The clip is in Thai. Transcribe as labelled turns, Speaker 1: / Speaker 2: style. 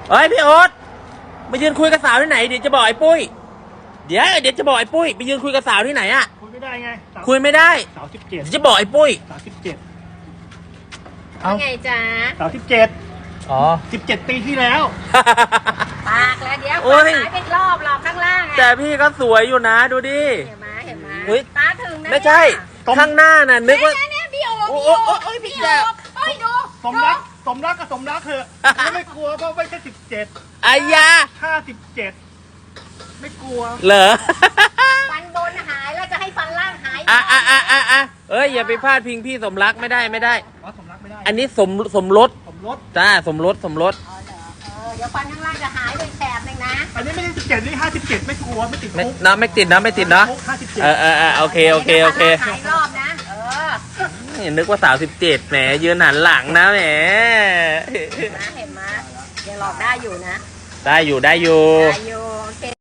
Speaker 1: เฮ้ยพี่โอ๊ตมายืนคุยกับสาวที่ไหนเดี๋ยวจะบอกไอ้ปุ้ยเดี๋ยวจะบอกไอ้ปุ้ยไปยืนคุยกับสาวที่ไหนอะ
Speaker 2: คุยไม่ได้ไง
Speaker 1: คุยไม่ได้
Speaker 2: สาว17
Speaker 1: เดี๋ยวจะบอกไอ้ปุ้ย
Speaker 2: 37
Speaker 3: ว่าไงจ๊ะ
Speaker 2: สาว17
Speaker 1: อ๋อ
Speaker 2: 17 ปีที่แล้ว
Speaker 3: ปากแล้วเดี๋ยว
Speaker 1: โอ้ย
Speaker 3: หายไปรอบหรอกข้างล่างอะ
Speaker 1: แต่พี่ก็สวยอยู่นะดูดิ
Speaker 3: เห็นไหมเห็นไหม
Speaker 1: เฮ้ย
Speaker 3: ตาถึงนะ
Speaker 1: ไม่ใช่
Speaker 2: ตรง
Speaker 1: ข้างหน้าน่ะนึกว่า
Speaker 3: เนี่ยพี่โอ๊
Speaker 1: โอ้
Speaker 3: พี่
Speaker 1: โอ้
Speaker 3: โอ๊
Speaker 1: โอ้ยพี่
Speaker 3: พี่
Speaker 1: แจ๊
Speaker 3: โอ๊
Speaker 1: บ
Speaker 3: เฮ้ยดู
Speaker 2: สมรักก็สมรักเถอะไม่กลัวเพราะไม่ใช่17
Speaker 1: อายา
Speaker 2: ถ้า17ไม่กลัว
Speaker 1: เหรอ
Speaker 3: ฟันบนหายแล้วจะให้ฟันล่างหาย
Speaker 1: เอ้ยอย่าไปพลาดพิงพี่สมรักไม่ได้
Speaker 2: อ๋อสมรักไม่ได้
Speaker 1: อันนี้สมรส
Speaker 2: สมรส
Speaker 1: จ้าสมรส
Speaker 3: อ๋อเหรอเดี๋ยวฟันข้างล่างจะหายไปแถบหนึ่งนะ
Speaker 2: อันนี้ไม่ใช่17นี่57ไม่กลัวไม่ติด
Speaker 1: ไม่
Speaker 2: คุก
Speaker 1: นะไม่ติดนะ
Speaker 2: คุก57
Speaker 1: โอเค
Speaker 3: หายรอบนะ
Speaker 1: นึกว่าสาว17แหมยืนหันหลังนะแหม
Speaker 3: เห็นไหมยังหลอกได้อยู่นะ
Speaker 1: ได้อยู่
Speaker 3: ได้อยู่